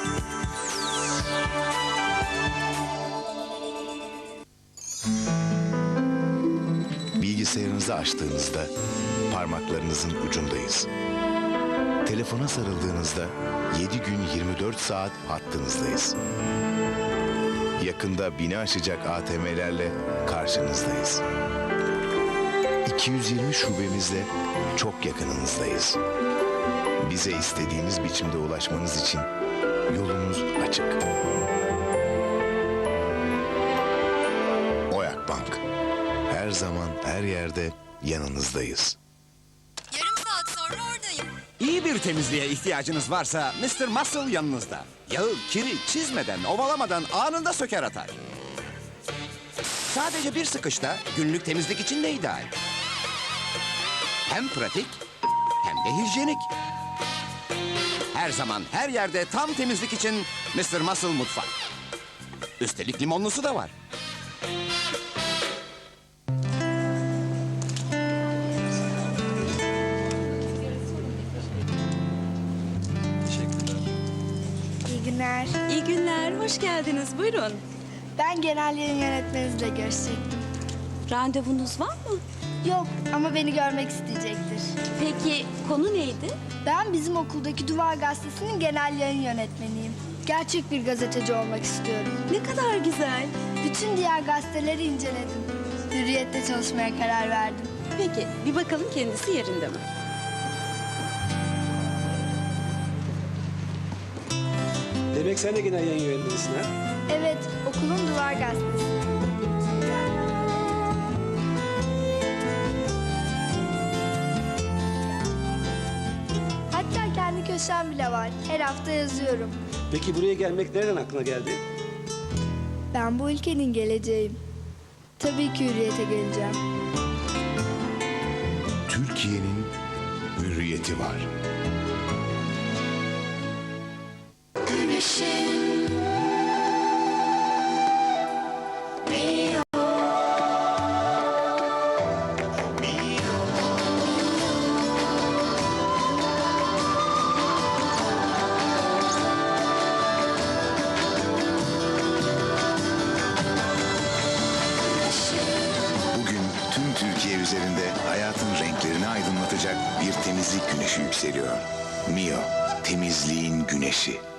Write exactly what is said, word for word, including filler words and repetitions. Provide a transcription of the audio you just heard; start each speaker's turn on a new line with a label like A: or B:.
A: Bilgisayarınızı açtığınızda parmaklarınızın ucundayız. Telefona sarıldığınızda yedi gün yirmi dört saat hattınızdayız. Yakında bini aşacak A T M'lerle karşınızdayız. iki yüz yirmi şubemizle çok yakınınızdayız. Bize istediğiniz biçimde ulaşmanız için yolumuz açık. Oyak Bank. Her zaman, her yerde yanınızdayız.
B: Yarım saat sonra oradayım.
C: İyi bir temizliğe ihtiyacınız varsa mister Muscle yanınızda. Yağı, kiri çizmeden, ovalamadan anında söker atar. Sadece bir sıkışta günlük temizlik için de ideal. Hem pratik hem de hijyenik. Her zaman her yerde tam temizlik için mister Muscle mutfak. Üstelik limonlusu da var.
D: İyi günler.
B: İyi günler, hoş geldiniz. Buyurun.
D: Ben genel yayın yönetmeninizle görüşecektim.
B: Randevunuz var mı?
D: Yok ama beni görmek isteyecektir.
B: Peki konu neydi?
D: Ben bizim okuldaki Duvar Gazetesi'nin genel yayın yönetmeniyim. Gerçek bir gazeteci olmak istiyorum.
B: Ne kadar güzel.
D: Bütün diğer gazeteleri inceledim. Hürriyet'te çalışmaya karar verdim.
B: Peki, bir bakalım kendisi yerinde mi?
E: Demek sen de genel yayın yönetmenisin ha?
D: Evet, okulun Duvar Gazetesi. Hatta kendi köşem bile var. Her hafta yazıyorum.
E: Peki buraya gelmek nereden aklına geldi?
D: Ben bu ülkenin geleceğim. Tabii ki Hürriyet'e geleceğim.
A: Türkiye'nin hürriyeti var. Bugün tüm Türkiye üzerinde hayatın renklerini aydınlatacak bir temizlik güneşi yükseliyor. Mio, temizliğin güneşi.